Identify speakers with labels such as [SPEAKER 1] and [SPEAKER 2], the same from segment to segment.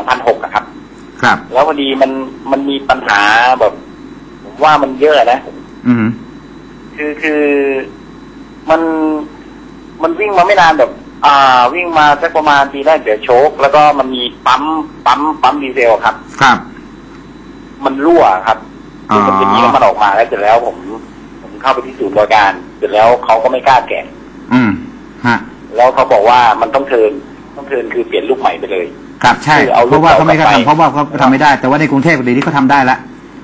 [SPEAKER 1] 2006อะครับ
[SPEAKER 2] ครับ
[SPEAKER 1] แล้วพอดีมันมีปัญหาแบบผมว่ามันเยอะนะคือมันวิ่งมาไม่นานแบบวิ่งมาสักประมาณทีแรกเดี๋ยวโชคแล้วก็มันมีปั๊มดีเซลครับ
[SPEAKER 2] ครับ
[SPEAKER 1] มันรั่วครับคือมันจะมีน้ำมันออกมาแล้วเสร็จแล้วผมเข้าไปที่ศูนย์บริการเสร็จแล้วเขาก็ไม่กล้าแกะ
[SPEAKER 2] ฮะ
[SPEAKER 1] แล้วเขาบอกว่ามันต้องเทิร์นคือเปลี่ยนลูกใหม่ไปเลย
[SPEAKER 2] ครับใช่เพราะว่าเขาไม่กล้าทำเพราะว่าเขาทำไม่ได้แต่ว่าในกรุงเทพเดี๋ยวนี้เขาทำได้แล้ว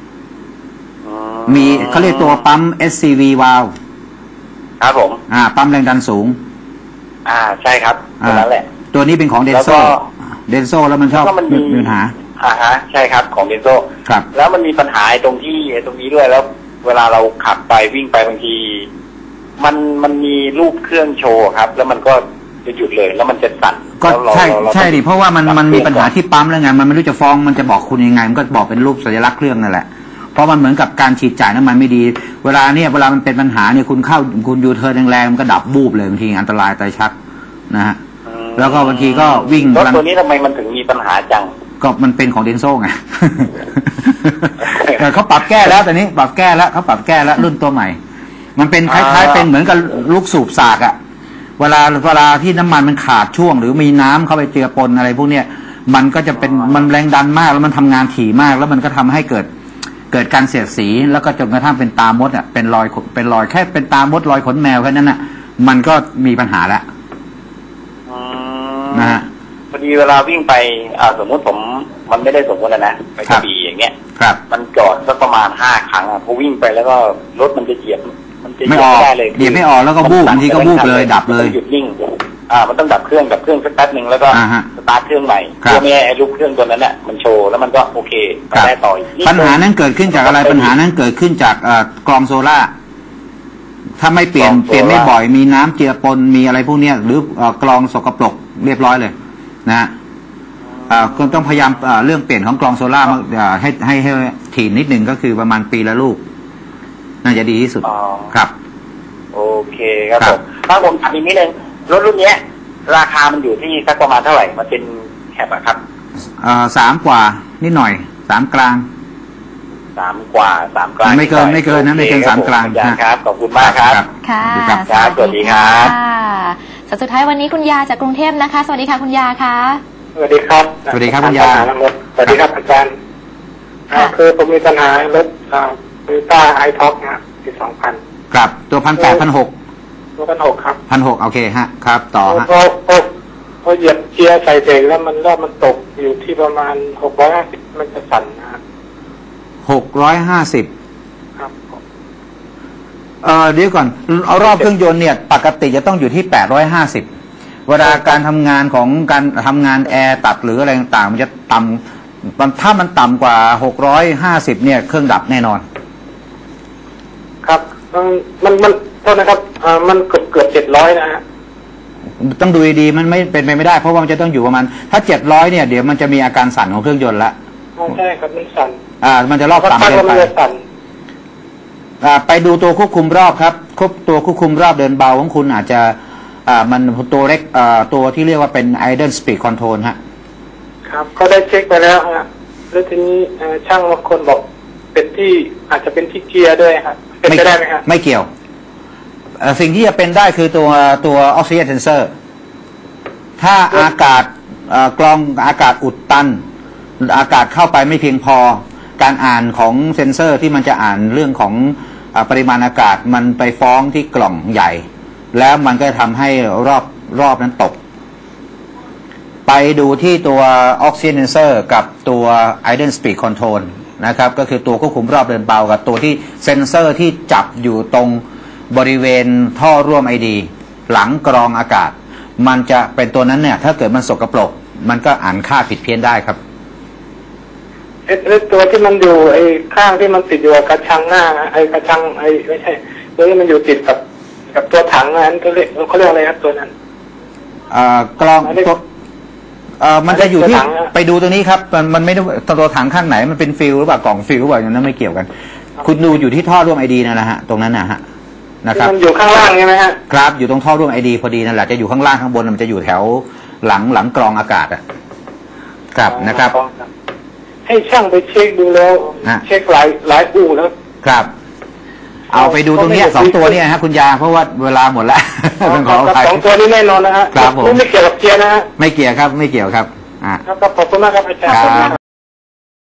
[SPEAKER 2] มีเขาเรียกตัวปั๊ม SCV valve
[SPEAKER 1] ครับผม
[SPEAKER 2] ปั๊มแรงดันสูง
[SPEAKER 1] ใช่ครับตัวนั้นแหละ
[SPEAKER 2] ตัวนี้เป็นของเดนโซแล้วมันชอบมีปัญหา
[SPEAKER 1] ใช่ครับของเดนโซ
[SPEAKER 2] ครับ
[SPEAKER 1] แล้วมันมีปัญหาตรงนี้ด้วยแล้วเวลาเราขับไปวิ่งไปบางทีมันมีรูปเครื่องโชว์ครับแล้วมันก็จะหยุดเลยแล้วมันจะสั่น
[SPEAKER 2] ก็ใช่ดิเพราะว่ามันมีปัญหาที่ปั๊มแล้วไงมันไม่รู้จะฟ้องมันจะบอกคุณยังไงมันก็บอกเป็นรูปสัญลักษณ์เครื่องนั่นแหละเพราะมันเหมือนกับการฉีดจ่ายน้ำมันไม่ดีเวลามันเป็นปัญหาเนี่ยคุณยูเทิร์นแรงๆมันก็ดับบูบเลยบางทีอันตรายตายชักนะฮะแล้วก็บางทีก็วิ่ง
[SPEAKER 1] รถตัวนี้ทำไมมันถึงมีปัญหาจัง
[SPEAKER 2] ก็มันเป็นของเดนโซ่ไงเขาปรับแก้แล้วแต่นี้ปรับแก้แล้วเขาปรับแก้แล้วรุ่นตัวใหม่มันเป็นคล้ายๆเป็นเหมือนกับลูกสูบสากอะเวลาที่น้ำมันมันขาดช่วงหรือมีน้ำเข้าไปเจือปนอะไรพวกเนี้ยมันก็จะเป็นมันแรงดันมากแล้วมันทำงานถี่มากแล้วมันก็ทำให้เกิดการเสียดสีแล้วก็จนกระทั่งเป็นตามดอ่ะเป็นรอยแค่เป็นตามดรอยขนแมวแค่นั้นน่ะมันก็มีปัญหาแล้วนะฮะ
[SPEAKER 1] พอดีเวลาวิ่งไปสมมติมันไม่ได้สมมตินะไปกระบี่อย่างเงี้ยมันจอดสักประมาณ5 ครั้งพอวิ่งไปแล้วก็รถมันจะเหยียบ
[SPEAKER 2] ไม่ได้เลยเหยียบไม่ออกแล้วก็บูบบางทีก็บูบเลยดับเลย
[SPEAKER 1] หยุดนิ่งมันต้องดับเครื่องสักแป๊บนึงแล้วก็สตาร์ทเครื่องใหม่เพื่อไม่ให้ไอ้ลูกเครื่องตัวนั้นน่ะมันโชว์แล้วมันก็โอเคไปได้ต่อ
[SPEAKER 2] ปัญหานั้นเกิดขึ้นจากอะไรปัญหานั้นเกิดขึ้นจากกรองโซล่าถ้าไม่เปลี่ยนไม่บ่อยมีน้ำเจือปนมีอะไรพวกนี้หรือกรองสกปรกเรียบร้อยเลยนะก็ต้องพยายามเรื่องเปลี่ยนของกรองโซล่าให้ถี่นิดหนึ่งก็คือประมาณปีละลูกน่าจะดีที่สุดครับ
[SPEAKER 1] โอเคครับผมถ้าผมถามอีกนิดนึงรถรุ่นนี้ราคามันอยู่ที่สักประมาณเท่าไหร่มันเป็นแคปอะครับ
[SPEAKER 2] 3 กว่านิดหน่อย3 กลาง
[SPEAKER 1] 3 กว่า3 กลาง
[SPEAKER 2] ไม่เกินนะไม่เกิน3 กลาง
[SPEAKER 1] ครับขอบคุณมากครับ
[SPEAKER 3] ค่ะ
[SPEAKER 1] สวัสดีครับ
[SPEAKER 3] สุดท้ายวันนี้คุณยาจากกรุงเทพนะคะสวัสดีค่ะคุณยาค่ะ
[SPEAKER 4] สวัสดีครับ
[SPEAKER 2] สวัสดีครับคุณยา
[SPEAKER 4] สวัสดีครับอาจารย์คือผมมีปัญหารถToyota i-Tox นะปี2000
[SPEAKER 2] ครับตัว1,800
[SPEAKER 4] ตัว1,600ครับ
[SPEAKER 2] 1,600โอเคฮะครับต่อฮะ
[SPEAKER 4] พอเหยียบเกียร์ใส่เบรกแล้วมันตกอยู่ที่ประมาณ650มันจะสั่นนะ
[SPEAKER 2] 650ครับเดี๋ยวก่อนเอารอบเครื่องยนต์เนี่ยปกติจะต้องอยู่ที่850เวลาการทำงานของการทำงานแอร์ตัดหรืออะไรต่างๆมันจะต่ำถ้ามันต่ำกว่า650เนี่ยเครื่องดับแน่นอน
[SPEAKER 4] ครับมันโทษนะครับมันเกือบ700นะฮะ
[SPEAKER 2] ต้องดูดีๆมันไม่เป็นไปไม่ได้เพราะว่ามันจะต้องอยู่ประมาณถ้า700เนี่ยเดี๋ยวมันจะมีอาการสั่นของเครื่องยนต์ละ
[SPEAKER 4] ใช่ครับมันสั่น
[SPEAKER 2] มันจะรอบต่ำเกินไปไปดูตัวควบคุมรอบครับตัวควบคุมรอบเดินเบาของคุณอาจจะมันตัวเล็กตัวที่เรียกว่าเป็น idle speed control ฮะ
[SPEAKER 4] ครับก็ได้เช็คไปแล้วฮะแล้วทีนี้ช่างบางคนบอกเป็นที่อาจจะเป็นที่เกียร์ด้วยครับเป็นไปได้ไหมครับ
[SPEAKER 2] ไม่เกี่ยวสิ่งที่จะเป็นได้คือตัว oxygen sensor ถ้าอากาศกรองอากาศอุดตันอากาศเข้าไปไม่เพียงพอการอ่านของเซ็นเซอร์ที่มันจะอ่านเรื่องของปริมาณอากาศมันไปฟ้องที่กล่องใหญ่แล้วมันก็ทำให้รอบนั้นตกไปดูที่ตัว oxygen sensor กับตัว idle speed control นะครับก็คือตัวควบคุมรอบเดินเบากับตัวที่เซ็นเซอร์ที่จับอยู่ตรงบริเวณท่อร่วม ID หลังกรองอากาศมันจะเป็นตัวนั้นเนี่ยถ้าเกิดมันสกปรกมันก็อ่านค่าผิดเพี้ยนได้ครับ
[SPEAKER 4] ตัวที่มันอยู่ไอ้ข้างที่มันติดอยู่กับกระชังหน้าไอ้กระชังไอ้ไม่ใช่ตัวที่มันอยู่ติดกับตัวถังนั้นเขาเรียกอะไรครับตัวนั้น
[SPEAKER 2] กรองมันจะอยู่ที่ไปดูตัวนี้ครับมันไม่ได้ตัวถังข้างไหนมันเป็นฟิลหรือเปล่ากล่องฟิลหรือเปล่าอย่างนั้นไม่เกี่ยวกันคุณดูอยู่ที่ท่อร่วม ID นั่นแหละฮะตรงนั้นนะฮะนะครับ
[SPEAKER 4] มันอยู่ข้างล่างใช่ไหมฮะ
[SPEAKER 2] ครับอยู่ตรงท่อร่วม ID พอดีนั่นแหละจะอยู่ข้างล่างข้างบนมันจะอยู่แถวหลังกรองอากาศอ่ะครับนะครับ
[SPEAKER 4] ให้ช่างไปเช็คดูแล้ว เช็คหลายอู่แล้ว
[SPEAKER 2] ครับ เอาไปดูตรงเนี้ย2 ตัวเนี่ยฮะคุณยาเพราะว่าเวลาหมดแล้วต้องขออภัย
[SPEAKER 4] 2 ตัวนี้แน่นอนนะฮะ
[SPEAKER 2] ครับผม
[SPEAKER 4] ไม่เกี่ยวกับเกียร์นะฮะ
[SPEAKER 2] ไม่เกี่ยวครับไม่เกี่ยวครับ
[SPEAKER 4] ครับขอบคุณมากครับอาจารย์